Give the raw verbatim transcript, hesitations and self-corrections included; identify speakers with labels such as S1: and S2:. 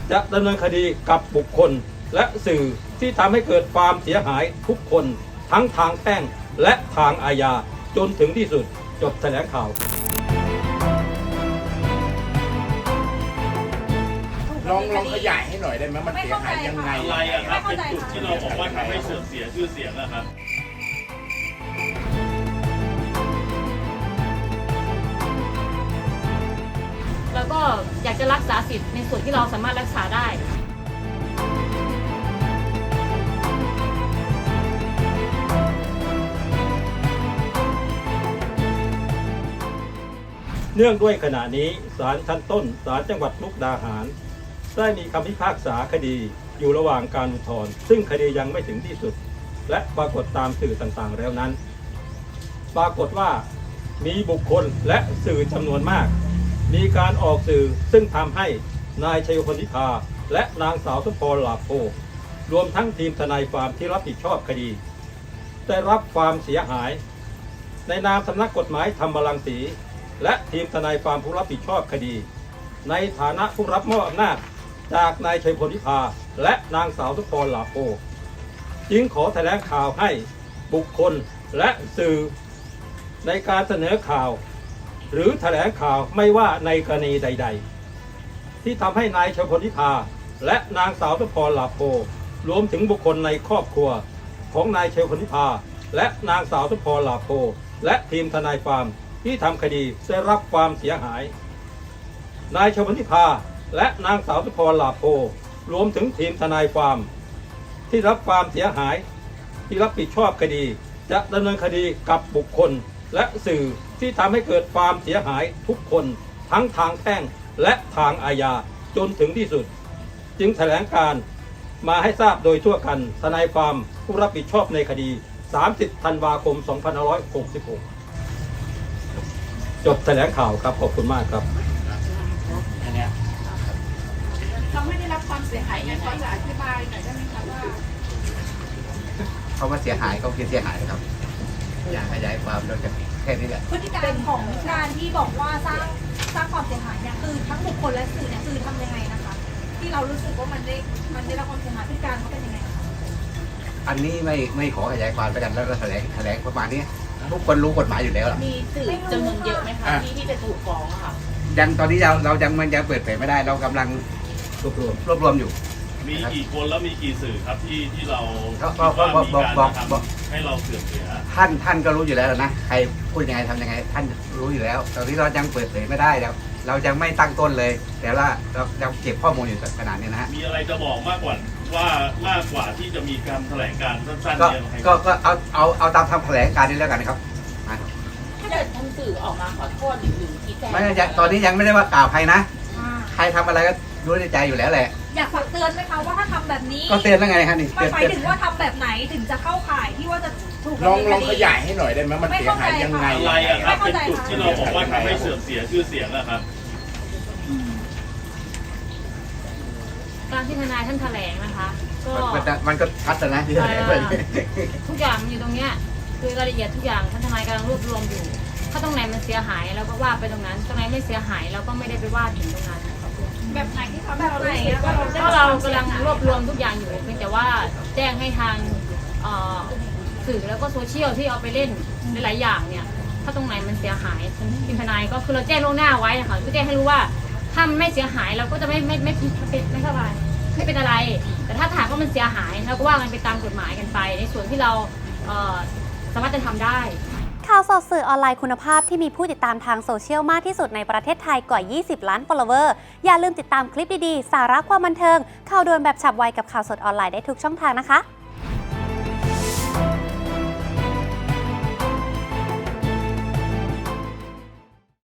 S1: จะดำเนินคดีกับบุคคลและสื่อที่ทำให้เกิดความเสียหายทุกคนทั้งทางแพ่งและทางอาญาจนถึงที่สุดจบแถลงข่าว
S2: ลองลองขยายให้หน่อยได้ไหมมันเสียหายยังไง
S3: อะไรอะครับเป็นจุดที่เราบอกว่าทำให้เสื่อมเสียชื่อเสียงนะครับ
S4: แล้วก็อยากจะรักษาสิทธิ์ในส่วนที่เราสามารถรักษาได้
S1: เนื่องด้วยขณะนี้ศาลชั้นต้นศาลจังหวัดมุกดาหารได้มีคำพิพากษาคดีอยู่ระหว่างการอุทธรณ์ซึ่งคดียังไม่ถึงที่สุดและปรากฏตามสื่อต่างๆแล้วนั้นปรากฏว่ามีบุคคลและสื่อจำนวนมากมีการออกสื่อซึ่งทำให้นายชัยพลวิภาและนางสาวสมพรหลาโพรวมทั้งทีมทนายความที่รับผิดชอบคดีได้รับความเสียหายในนามสำนักกฎหมายธรรมรังสีและทีมทนายความผู้รับผิดชอบคดีในฐานะผู้รับมอบอำนาจจากนายชัยพลวิภาและนางสาวสมพรหลาโพจึงขอแถลงข่าวให้บุคคลและสื่อในการเสนอข่าวหรือแถลงข่าวไม่ว่าในกรณีใดๆที่ทำให้นายชัยพลวิภาและนางสาวสมพรหลาโพรวมถึงบุคคลในครอบครัวของนายชัยพลวิภาและนางสาวสมพรหลาโพและทีมทนายความที่ทำคดีได้รับความเสียหายนายชัยพลวิภาและนางสาวสมพรหลาโพรวมถึงทีมทนายความที่รับความเสียหายที่รับผิดชอบคดีจะดำเนินคดีกับบุคคลและสื่อที่ทำให้เกิดความเสียหายทุกคนทั้งทางแพ่งและทางอาญาจนถึงที่สุดจึงแถลงการมาให้ทราบโดยทั่วกันทนายความผู้รับผิดชอบในคดีสามสิบธันวาคมสองพันห้าร้อยหกสิบหกจบแถลงข่าวครับขอบคุณมากครับ
S2: อันเนี้ย
S5: เขาไม่ได้รับความเสียหายไงพอจะอธิบายหน่อยได้ไหมคะว่า
S6: เขามาเสียหายเขาคือเสียหายครับอยากขยายความเราจะแค่นี้แหละ
S5: พฤติการของการที่บอกว่าสร้างสร้างความเสียหายเนี่ยคือทั้งบุคคลและสื่อเนี่ยคือทำยังไงนะคะที่เรารู้สึกว่ามันได้มันได้รับความเสียหายพฤติการเขาเป็นยังไงคะ
S6: อันนี้ไม่ไม่ขอขยายความไปกันแล้วก็แถลงแถลงประมาณนี้ทุกคนรู้กฎหมายอยู่แล้ว
S4: มีสื่อจำนวนเยอะไหมคะที่ที่จะถูกฟ้องค่ะ
S6: ยังตอนนี้เราเรายังมันยังเปิดเผยไม่ได้เรากำลังรวบรวมรวบรวมอยู่
S3: มีกี่คนแล้วมีกี่สื่อครับที่ที่เรา
S6: ก็ก็บอกบอกบอกบอก
S3: ให้เราเสื่อมเสีย
S6: ท่านท่านก็รู้อยู่แล้วนะใครพูดยังไงทำยังไงท่านรู้อยู่แล้วตอนนี้เรายังเปิดเผยไม่ได้เราเรายังไม่ตั้งต้นเลยแต่ว่าเราเราเก็บข้อมูลอยู่ขนาดนี้นะฮะ
S3: มีอะไรจะบอกมากกว่าว่ามากกว่าที่จะมีการแถลงการสั้นๆ
S6: เนี่ยก็ก็เอาเอาเอาตามคำแถลงการนี้แล้วกันนะครับ
S4: ถ้าเกิดทางสื่อออกมาขอโทษหรือชี้แจง
S6: ไม่ตอนนี้ยังไม่ได้ว่ากล่าวใครนะใครทำอะไรก็รู้ในใจอยู่แล้วแหละ
S5: อยากฝากเตือนไหมคะว่าถ้าทำแบบนี้
S6: ก็เตือนแล้วไงฮะนี่
S5: ไม่หมายถึงว่าทำแบบไหนถึงจะเข้าข่ายที่ว่าจะถูก
S2: ลองลองขยายให้หน่อยได้ไหมมันเสียหายยังไง
S3: อะไรอะครับเป็นจุดที่เราบอกว่าทำให้เสื่อมเสียชื่อเสียงนะครับ
S4: การที่ทนายท่านแถลงนะคะ
S6: ก็มันก็ชัดนะที่แถลงไป
S4: ทุกอย่างอยู่ตรงเนี้ยคือรายละเอียดทุกอย่างท่านทนายกำลังรวบรวมอยู่ถ้าตรงไหนมันเสียหายเราก็ว่าไปตรงนั้นตรงไหนไม่เสียหายเราก็ไม่ได้ไปว่าถึงตรงนั้น
S5: แบบไหนที่ทำแบบไหน
S4: ก็เรากำลังรวบรวมทุกอย่างอยู่เพียงแต่ว่าแจ้งให้ทางสื่อแล้วก็โซเชียลที่เอาไปเล่นหลายๆอย่างเนี่ยถ้าตรงไหนมันเสียหายทีมทนายก็คือเราแจ้งล่วงหน้าไว้นะคะเพื่อแจ้งให้รู้ว่าถ้าไม่เสียหายเราก็จะไม่ไม่ไม่ไม่ไม่สบายไม่เป็นอะไรแต่ถ้าถามว่ามันเสียหายเราก็ว่ากันไปตามกฎหมายกันไปในส่วนที่เราสามารถจะทำได้
S7: ข่าวสดสื่อออนไลน์คุณภาพที่มีผู้ติดตามทางโซเชียลมากที่สุดในประเทศไทยกว่ายี่สิบล้าน follower อย่าลืมติดตามคลิปดีๆสาระความบันเทิงข่าวด่วนแบบฉับไวกับข่าวสดออนไลน์ได้ทุกช่องทางนะคะ